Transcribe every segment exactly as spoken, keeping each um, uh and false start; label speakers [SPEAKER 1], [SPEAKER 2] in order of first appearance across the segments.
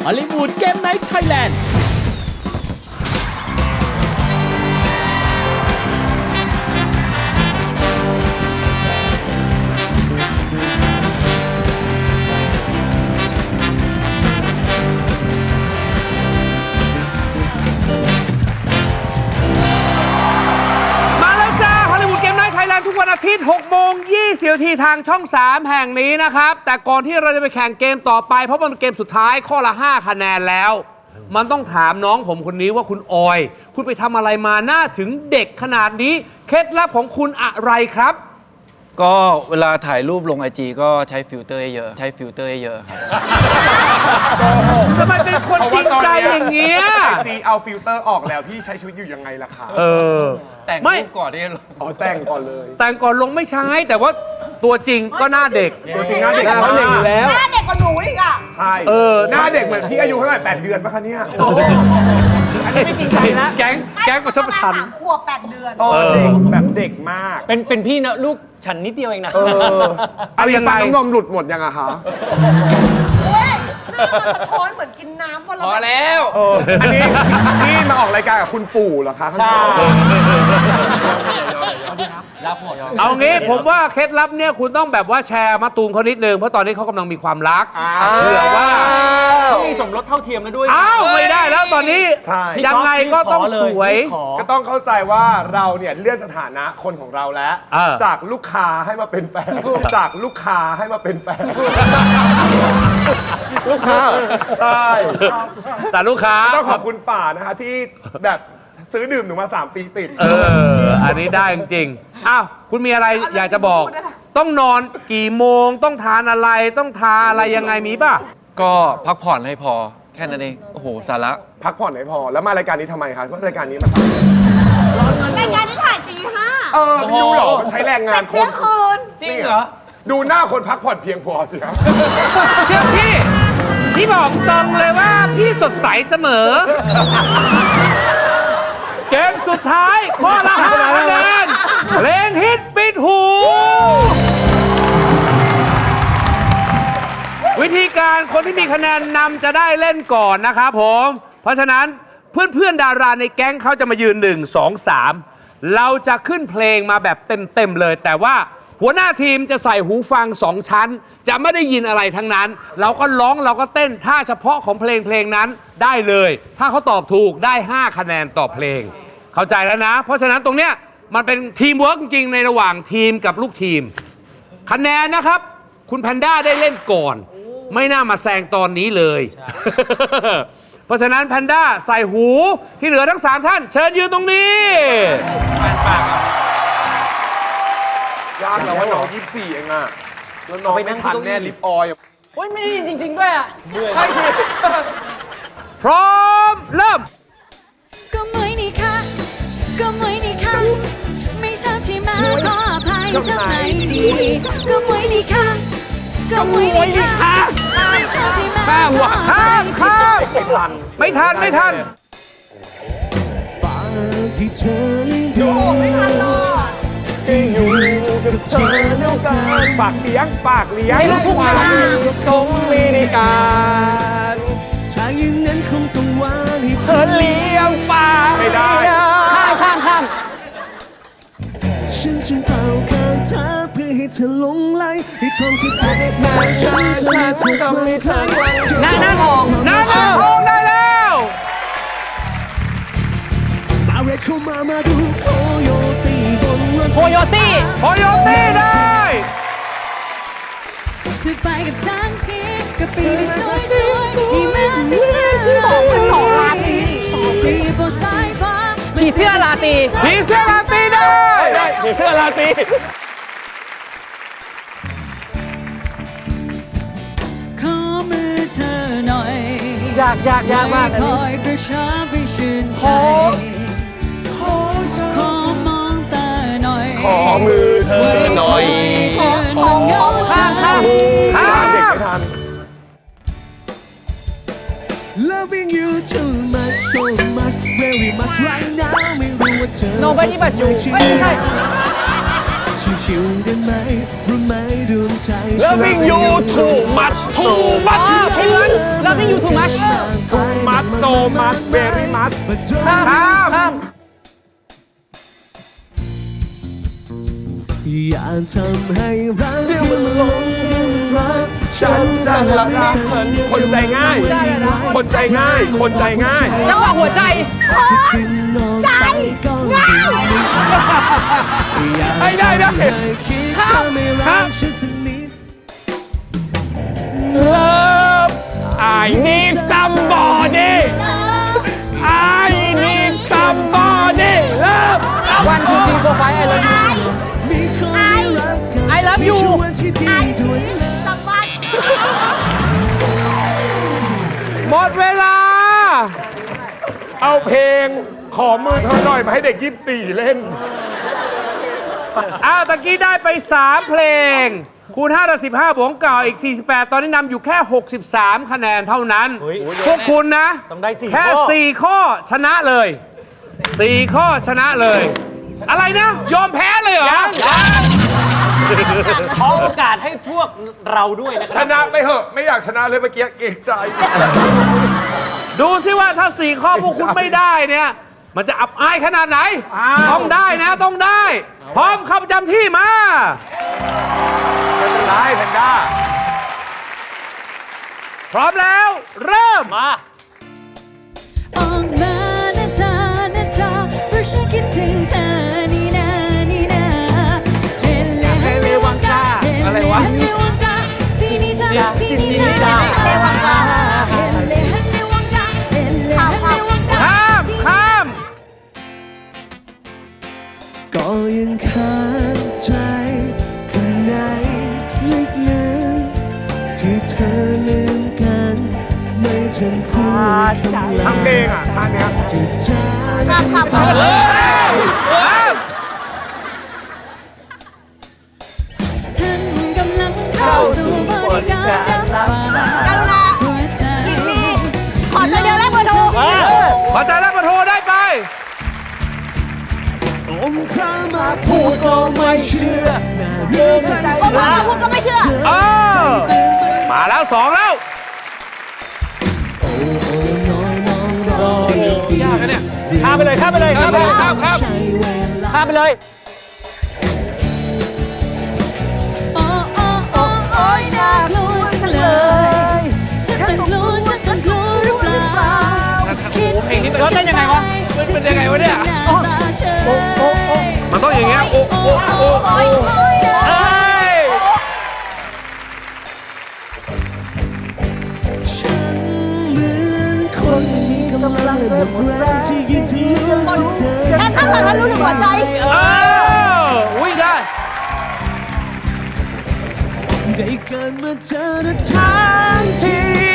[SPEAKER 1] ฮอลลีวูดเกมไนท์ไทยแลนด์
[SPEAKER 2] ทุกวันอาทิตย์หกโมงยี่สิบนาทีทางช่องสามแห่งนี้นะครับแต่ก่อนที่เราจะไปแข่งเกมต่อไปเพราะมันเป็นเกมสุดท้ายข้อละห้าคะแนนแล้วมันต้องถามน้องผมคนนี้ว่าคุณออยคุณไปทำอะไรมาหน้าถึงเด็กขนาดนี้เคล็ดลับของคุณอะไรครับ
[SPEAKER 3] ก็เวลาถ่ายรูปลงไอจีก็ใช้ฟิลเตอร์เยอะใช้ฟิลเตอร์เยอะครับ
[SPEAKER 2] ทำไมเป็นคนจริงใจอย่างเงี้ย
[SPEAKER 4] ไอจีเอาฟิลเตอร์ออกแล้วพี่ใช้ชีวิตอยู่ยังไงล่ะคะ
[SPEAKER 2] เออ
[SPEAKER 3] แต่งรูปก่อนที่จะลง
[SPEAKER 4] อ๋อแต่งก่อนเลย
[SPEAKER 2] แต่งก่อนลงไม่ใช้แต่ว่าตัวจริงก็หน้าเด็ก
[SPEAKER 4] ตัวจริงหน้าเด็ก
[SPEAKER 1] หน้าเด็กอยู่แล้ว
[SPEAKER 5] หน้าเด็กกว่าหนูอีกอ่ะ
[SPEAKER 4] ใช่เออหน้าเด็กเหมือนพี่อายุเท่าไหร่แปดเดือนปะคะเนี่ย
[SPEAKER 2] อันนี้ไม่จริงใจนะแก๊งแก๊งประชดประชัน
[SPEAKER 5] สามขวบแปดเดือน
[SPEAKER 4] เออเด็กแบบเด็กมาก
[SPEAKER 3] เป็นเป็นพี่นะลูกฉันนิดเดียวเองนะ
[SPEAKER 2] เอายังไง
[SPEAKER 4] ฟันน้ำนมหลุดหมดยังอะคะ
[SPEAKER 5] เฮ้ยหน้ามันสะท้อนเหมือนกินน้ำวันละ
[SPEAKER 3] พอแล้ว
[SPEAKER 4] อันนี้นี่มาออกรายการกับคุณปู่เหรอคะ
[SPEAKER 3] ใช่
[SPEAKER 2] รับหมดเอางี้ผมว่าเคล็ดลับเนี่ยคุณต้องแบบว่าแชร์มาตูมเขานิดนึงเพราะตอนนี้เขากำลังมีความรักเผื่อว่า
[SPEAKER 3] เขามีสมรสเท่าเทียมแล้วด้วย
[SPEAKER 2] อ้าวไม่ได้แล้วตอนนี้ยังไงก็ต้องสวย
[SPEAKER 4] ก็ต้องเข้าใจว่าเราเนี่ยเลื่อนสถานะคนของเราแล้วจากลูกค้าให้มาเป็นแฟนจากลูกค้าให้มาเป็นแฟนลูกค้าใช่
[SPEAKER 2] แต่ลูกค้า
[SPEAKER 4] ต้องขอบคุณป่านะคะที่แบบซื้อดื่มหนูมาสามปีติด
[SPEAKER 2] เอออันนี้ได้จริงๆอ้าวคุณมีอะไรอยากจะบอกต้องนอนกี่โมงต้องทานอะไรต้องทาอะไรยังไงมีป่ะ
[SPEAKER 3] ก็พักผ่อนให้พอแค่นั้นเองโอ้โหสาระ
[SPEAKER 4] พักผ่อนให้พอแล้วมารายการนี้ทำไมคะเพราะรายการนี้มัน
[SPEAKER 5] รายการนี้ถ่ายตีห้า
[SPEAKER 4] เออไม่รู้หรอมันใช้แรงงาน
[SPEAKER 5] คนคืน
[SPEAKER 3] จริงเหรอ
[SPEAKER 4] ดูหน้าคนพักผ่อนเพียงพอสิครับ
[SPEAKER 2] เชื่อพี่พี่บอกตรงเลยว่าพี่สดใสเสมอเกมสุดท้ายข้อละห้าคะแนนเพลงฮิตปิดหูวิธีการคนที่มีคะแนนนำจะได้เล่นก่อนนะครับผมเพราะฉะนั้นเพื่อนๆดาราในแก๊งเขาจะมายืนหนึ่ง สอง สามเราจะขึ้นเพลงมาแบบเต็มๆเลยแต่ว่าหัวหน้าทีมจะใส่หูฟังสองชั้นจะไม่ได้ยินอะไรทั้งนั้นเราก็ร้องเราก็เต้นท่าเฉพาะของเพลงเพลงนั้นได้เลยถ้าเขาตอบถูกได้ห้าคะแนนต่อเพลงเข้าใจแล้วนะเพราะฉะนั้นตรงเนี้ยมันเป็นทีมเวิร์กจริงๆในระหว่างทีมกับลูกทีมคะแนนนะครับคุณแพนด้าได้เล่นก่อนไม่น่ามาแซงตอนนี้เลย เพราะฉะนั้นแพนด้าใส่หูที่เหลือทั้งสามท่านเชิญยืนตรงนี้
[SPEAKER 4] ยากแล้วว่าน้องยี่สิบสี่เองอะแล้วน้องไม่ทันแน่ลิปออย
[SPEAKER 6] โอ้ยไม่ได้ยินจริงๆด้วยอ่ะ
[SPEAKER 4] ใช่สิ
[SPEAKER 2] พร้อมเริ่ม
[SPEAKER 7] ก็มวยนี่ค่ะก็มวยนี่ค่ะไม่ชอบที่มาขออภัยทำไมดีก็มวยนี่ค่ะก็มวยนี่ค่ะไม่ชอบที่มาขออภัย
[SPEAKER 2] ข้ามไม่ทันไม่ทัน
[SPEAKER 4] ดูไม่ทันหรอกอยู่กับเธอแล้วกันปากเลี้ยงปากเลี้ยงความตรงไม่ได้การ
[SPEAKER 1] ชายอย่างนั้นคงต้องวางให้
[SPEAKER 4] เธอเลี้ยงปากไม่ได้
[SPEAKER 6] ข้ามข้ามข้าม
[SPEAKER 1] ฉันจึงเป่าคาถาเพื่อให้เธอหลงไหลให้ทองที่พบมาฉันจะมีเธอคลายคลาย
[SPEAKER 6] หน้าหน้าทอง
[SPEAKER 2] หน้าทองได้แล้ว
[SPEAKER 1] มาเรียกเข้ามามาดูโคโยตี้บนรถ
[SPEAKER 6] โคโยตี้
[SPEAKER 2] โคโยตี้ได้
[SPEAKER 7] จะไปกับแสงสีก็ปีนไปสวยสวยที่มันไม่เสื่อม
[SPEAKER 5] เป็นหล่อราตรี
[SPEAKER 7] ที่บนสายฟ้า
[SPEAKER 6] ผีเสื้อราตรี
[SPEAKER 2] ผีเสื้อราตรีได้
[SPEAKER 4] ผีเสื้อราตรี
[SPEAKER 7] ขอมือเธอหน่อย
[SPEAKER 6] ยากยากยากมาก
[SPEAKER 7] คอยกระชับให้ชื่นใจขอมองตาหน่อย
[SPEAKER 4] ขอมือเธอหน่อย
[SPEAKER 6] ข้ามข้ามข้าม
[SPEAKER 4] เด็กไม่ทัน
[SPEAKER 1] Loving you too much so much very much right now ไม่รู้ว่าเธอ
[SPEAKER 6] Nobody but you ไม่ใช่
[SPEAKER 1] ชิวๆได้ไหมรู้ไหมดวงใจ
[SPEAKER 4] แล้ววิ่งอยู่ถูกมัดถูกมัด
[SPEAKER 6] พี่เงินแล้วพี่ยูทูมัช
[SPEAKER 4] มัดโตมัดเบรี่มัด
[SPEAKER 6] ข้ามข้าม
[SPEAKER 1] อย่าทำให้รักมันหลงรัก
[SPEAKER 4] ฉันจะรักเธอคนใจง่าย คนใจง่าย คนใจง่าย
[SPEAKER 6] จังหวะหัวใจ
[SPEAKER 1] จะดึงนอนไปก็ดึงไม่ได้อย่าทำให้คิดเธอไม่รักฉันสักนิด
[SPEAKER 4] Love I need somebody I need somebody Love
[SPEAKER 6] วันทูทีโปรไฟล์ไอเลิฟยู
[SPEAKER 1] มีคนที่รักกัน
[SPEAKER 6] I love you
[SPEAKER 1] คือวันที่ดีด้วย
[SPEAKER 2] หมดเวลา
[SPEAKER 4] เอาเพลงขอมือเธอหน่อยมาให้เด็กยี่สิบสี่เล่น
[SPEAKER 2] อ้าวตะกี้ได้ไป สาม เพลง คูณห้าได้สิบห้าบวกเก่าอีก สี่สิบแปด ตอนนี้นำอยู่แค่ หกสิบสาม คะแนนเท่านั้น พวกคุณนะ
[SPEAKER 4] ต้องได้สี่
[SPEAKER 2] แค่
[SPEAKER 4] ข้อ
[SPEAKER 2] สี่ ข้อชนะเลย สี่ ข้อชนะเลย อะไรนะ ยอมแพ้เลยเหรอ
[SPEAKER 8] ขอโอกาสให้พวกเราด้วยนะค
[SPEAKER 4] ช
[SPEAKER 8] รับ
[SPEAKER 4] นะไปเหอะไม่อยากชนะเลยเมื่อกี้เกรงใจ
[SPEAKER 2] ดูซิว่าถ้า สี่ ข้อพวกคุณไม่ได้เนี่ย มันจะอับอายขนาดไหน ต้องได้นะต้องได้ พร้อมเข้าประจำที่มา
[SPEAKER 4] ได้แพนด้า
[SPEAKER 2] พร้อมแล้ว เริ่ม
[SPEAKER 8] มา
[SPEAKER 7] ออกมานะเธอนะเธอเพราะฉันคิดถึงเธอนี่นานี่นาเฮเลเฮเลวังกาอะไรวะเฮเลวังกาที่นี่จ้าที่นี่จ้าเฮเลวังกาเฮเลเฮเลวังกาเฮเลเฮเลวังกา
[SPEAKER 2] ข้ามข้าม
[SPEAKER 1] ก็ยังค้างใจข้างในลึกๆที่เธอลืมกันไม่ทันพูดคำลา
[SPEAKER 4] ทำเพลงอ่ะท่าเนี้ย
[SPEAKER 1] จะจากกันไป
[SPEAKER 7] ท่านกำลังเข้าสู่บริการรับฝากหัวใจ
[SPEAKER 5] ขอตัวเดียวแล้วเบอร์โทร
[SPEAKER 2] พอใจแล้วมาโทรได้ไป
[SPEAKER 1] อมเธอมาพูดก็ไม่เชื่อน่าเลือใจ
[SPEAKER 5] ผมมาพูดก็ไม่เชื่อ
[SPEAKER 2] เออมาแล้วสองแล้ว
[SPEAKER 8] ยากนะเนี่ยข้ามไปเลยข้ามไปเลยข้ามไปเลยข้ามข้าม
[SPEAKER 1] ใช้เวลา
[SPEAKER 8] ข้ามไปเลย
[SPEAKER 7] โอ้โอ้โอ้โอ้ยน่ากลัวจังเลยฉันต้องกลัวฉันต้องกลัวหรือเปล่าคิดถึง
[SPEAKER 8] แล้วเต้นยังไงวะมันเป็นยังไงวะเนี่ย
[SPEAKER 7] หน้าตาเฉย
[SPEAKER 2] มันต้องอย่างเงี้ยโอ้โอ้โอ้
[SPEAKER 5] โอ้ยโอ้ยนะ
[SPEAKER 2] เอ้ย
[SPEAKER 1] ฉันเหมือนคนมีกำลังและหมดแรงจะยืนที่เลือกจะเดิน
[SPEAKER 5] แค่ข้างหลังแล้วรู้ถึงหัวใจ
[SPEAKER 2] เอออุ้ยได้
[SPEAKER 1] ได้เกิดมาเจอทั้งที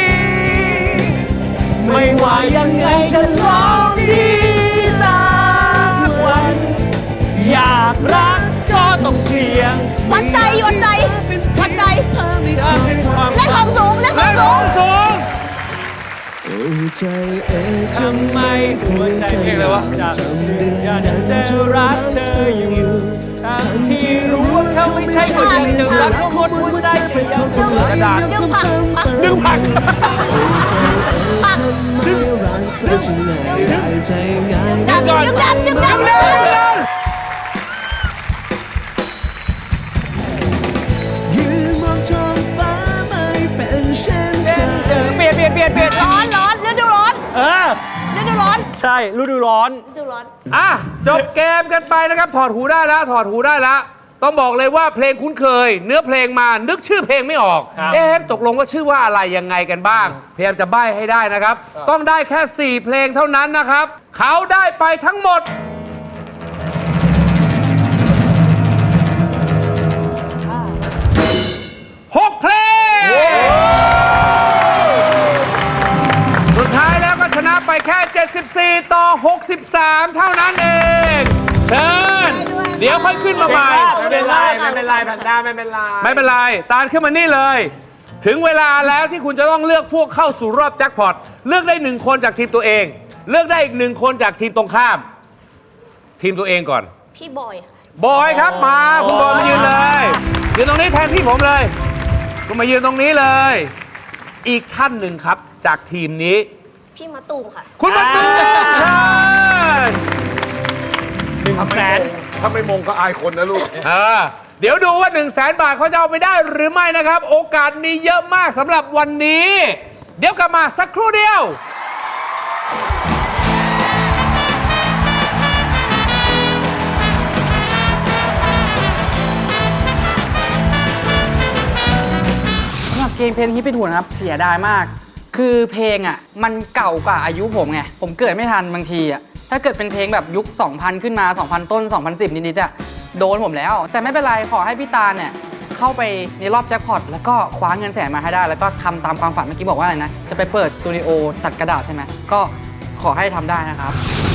[SPEAKER 8] ไม่ว่ายังไงฉันลองดีสักวัน อยากรักก็ต้องเสี่ยง
[SPEAKER 5] วัดใจวัดใจวัดใจ
[SPEAKER 8] ถ้าเป็นความ
[SPEAKER 5] เล่นของสูงเล่นของสูง
[SPEAKER 2] สูง
[SPEAKER 1] โอ้ใจเอ๋ย
[SPEAKER 8] ทำไมหัวใจเพลงอะไรวะอยากอยากจะรักเธออยู่ทั้งที่รู้ว่าเขาไม่ใช่คนที่จะรักเขาหมดหัวใจแต่ยังจะรัก
[SPEAKER 1] กระดาษ
[SPEAKER 5] ดึงผัก
[SPEAKER 2] ดึงผัก
[SPEAKER 1] ฉันไม่รักใครฉันง่ายได้ใจง่าย
[SPEAKER 5] ดันดึงดันดึงดันดึงดัน
[SPEAKER 1] ยืนมองท้องฟ้าไม่เป็นเช่นเคย
[SPEAKER 8] เปลี่ยนเปลี่ยนเปลี่ยนเปลี่ยน
[SPEAKER 5] ร้อนร้อนฤดูร้อน
[SPEAKER 8] เออ
[SPEAKER 5] ฤดูร้อน
[SPEAKER 8] ใช่ฤดูร้อน
[SPEAKER 5] ฤดูร้อน
[SPEAKER 2] อ่ะ จบเกมกันไปนะครับ ถอดหูได้แล้ว ถอดหูได้แล้ว ต้องบอกเลยว่าเพลงคุ้นเคย เนื้อเพลงมานึกชื่อเพลงไม่ออก
[SPEAKER 8] ครับ
[SPEAKER 2] เอ๊ะตกลงว่าชื่อว่าอะไรยังไงกันบ้าง พยายามจะใบ้ให้ได้นะครับ ต้องได้แค่ สี่ เพลงเท่านั้นนะครับ เขาได้ไปทั้งหมด หก เพลง สุดท้ายแล้วก็ชนะไปแค่ เจ็ดสิบสี่ ต่อ หกสิบสาม เท่านั้นเองเชิญเดี๋ยวค่อยขึ้นมาใหม่
[SPEAKER 4] ไม่เป็นไรไม่เป็นไรแพนด้าไม่เป็นไร
[SPEAKER 2] ไม่เป็นไร ตาลขึ้นมานี่เลย ถึงเวลาแล้วที่คุณจะต้องเลือกพวกเข้าสู่รอบแจ็คพอต เลือกได้หนึ่งคนจากทีมตัวเอง เลือกได้อีกหนึ่งคนจากทีมตรงข้าม ทีมตัวเองก่อน
[SPEAKER 5] พี่บอยค่ะ
[SPEAKER 2] บอยครับมาคุณบอยมายืนเลยยืนตรงนี้แทนที่ผมเลยคุณมายืนตรงนี้เลย อีกท่านหนึ่งครับจากทีมนี้
[SPEAKER 5] พี่มะตูมค่ะ
[SPEAKER 2] คุณมาตูมเชิญ
[SPEAKER 4] หนึ่งแสน
[SPEAKER 1] ถ้าไม่มงก็อายคนนะลูก
[SPEAKER 2] เออเดี๋ยวดูว่า1 0 0 0 0แสนบาทเขาจะเอาไปได้หรือไม่นะครับ โอกาสมีเยอะมากสำหรับวันนี้ เดี๋ยวกลับมาสักครู่เดียว
[SPEAKER 6] สำหรับเพลงเพลงที่เป็นหุ่นนะครับเสียดายมาก คือเพลงอ่ะมันเก่ากว่าอายุผมไงผมเกิดไม่ทันบางทีอ่ะถ้าเกิดเป็นเพลงแบบยุค สองพัน ขึ้นมา สองพัน ต้น สองพันสิบ นิดๆอ่ะโดนผมแล้ว แต่ไม่เป็นไรขอให้พี่ตาลเนี่ยเข้าไปในรอบแจ็คพอตแล้วก็คว้าเงินแสนมาให้ได้ แล้วก็ทำตามความฝันเมื่อกี้บอกว่าอะไรนะจะไปเปิดสตูดิโอตัดกระดาษใช่ไหมก็ขอให้ทำได้นะครับ